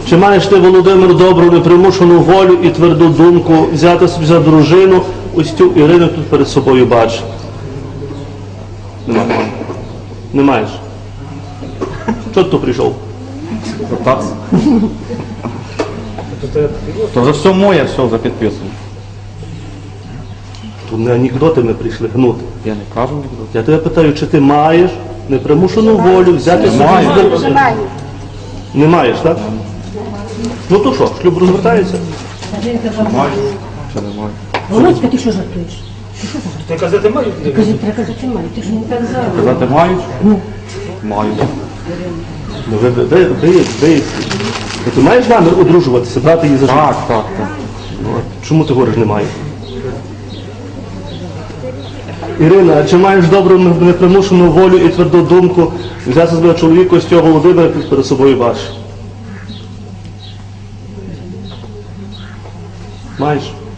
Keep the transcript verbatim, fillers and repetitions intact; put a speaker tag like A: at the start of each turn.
A: Чи маєш ти, Володимир, добру непримушену волю і тверду думку взяти собі за дружину ось цю Ірину тут перед собою бачиш? Немає. Не маєш. Чого ти тут прийшов?
B: Так. То вже все моє, все вже підписано.
A: Тут не анекдоти ми прийшли гнути.
B: Я не кажу нікуди.
A: Я тебе питаю, чи ти маєш непримушену волю взяти собі
B: Маю.
A: за дружину? Не маєш, так? Ну то що, шлюб розвертається?
B: Маю. Чи не маю?
C: Володька, ти що жартуєш?
D: Ти казати мають?
C: Кажи, треба казати маю, ти ж не казав.
B: Казати мають? Маю.
A: Ну, ви, ви, ви, ви, ви, ти маєш намір одружуватися, брати її за життя?
B: Так, так, так.
A: Чому ти говориш немає? Ірина, а чи маєш добру непримушену волю і тверду думку взяти себе чоловіка ось цього Володимира перед собою бачиш? Маєш?